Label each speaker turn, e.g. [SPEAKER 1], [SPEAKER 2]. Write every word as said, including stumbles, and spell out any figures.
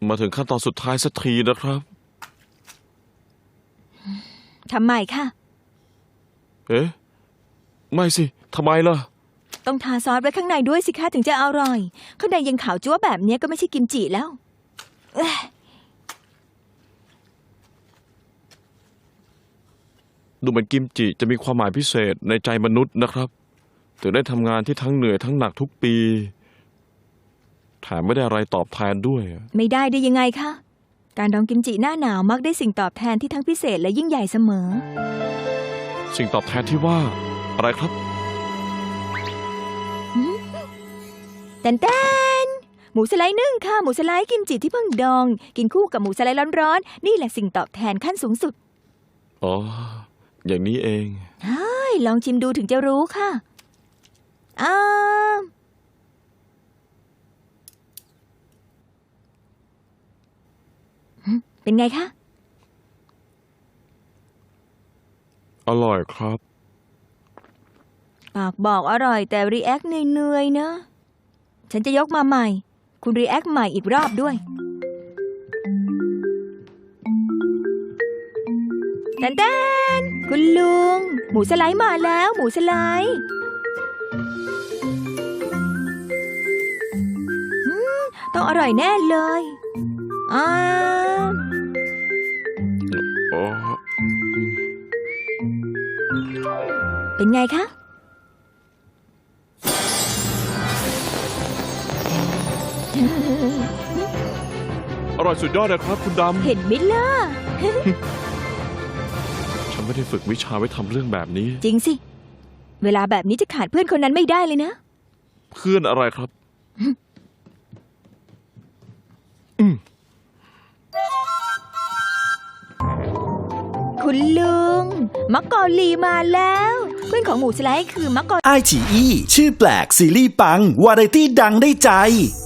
[SPEAKER 1] มาถึงขั้นตอนสุดท้ายสักทีนะครับ
[SPEAKER 2] ทำไมคะ
[SPEAKER 1] เอ๊ะไม่สิทำไมล่ะ
[SPEAKER 2] ต้องทาซอสไว้ข้างในด้วยสิคะถึงจะอร่อยข้างในยังขาวจั๊วแบบนี้ก็ไม่ใช่กิมจิแล้ว
[SPEAKER 1] ดูเหมือนกิมจิจะมีความหมายพิเศษในใจมนุษย์นะครับถึงได้ทำงานที่ทั้งเหนื่อยทั้งหนักทุกปีแถมไม่ได้อะไรตอบแทนด้วย
[SPEAKER 2] ไม่ได้ได้ยังไงคะการดองกิมจิหน้าหนาวมักได้สิ่งตอบแทนที่ทั้งพิเศษและยิ่งใหญ่เสมอ
[SPEAKER 1] สิ่งตอบแทนที่ว่าอะไรครับ
[SPEAKER 2] แตนแตนหมูสไลด์นึ่งค่ะหมูสไลด์กิมจิที่เพิ่งดองกินคู่กับหมูสไลด์ร้อนๆนี่แหละสิ่งตอบแทนขั้นสูงสุด
[SPEAKER 1] อ๋ออย่างนี้เอง
[SPEAKER 2] ใช่ลองชิมดูถึงจะรู้ค่ะอ้าเป็นไงคะ
[SPEAKER 1] อร่อยครับ
[SPEAKER 2] ปากบอกอร่อยแต่รีแอคเหนื่อยๆนะฉันจะยกมาใหม่คุณรีแอคใหม่อีกรอบด้วยแตนแตนคุณลุงหมูสไลด์มาแล้วหมูสไลด์ต้องอร่อยแน่เลยอ่าเป็นไงคะ
[SPEAKER 1] อร่อยสุดยอดเลยครับคุณดำ
[SPEAKER 2] เห็นไหมล่ะ
[SPEAKER 1] ฉันไม่ได้ฝึกวิชาไว้ทำเรื่องแบบนี้
[SPEAKER 2] จริงสิเวลาแบบนี้จะขาดเพื่อนคนนั้นไม่ได้เลยนะ
[SPEAKER 1] เพื่อนอะไรครับ
[SPEAKER 2] คุณลุงมักกอลีมาแล้วเพื่อนของหมูสไลด์คือมักกอ
[SPEAKER 3] ไอ ที อี ชื่อแปลกซีรีส์ปังวาไรตี้ดังได้ใจ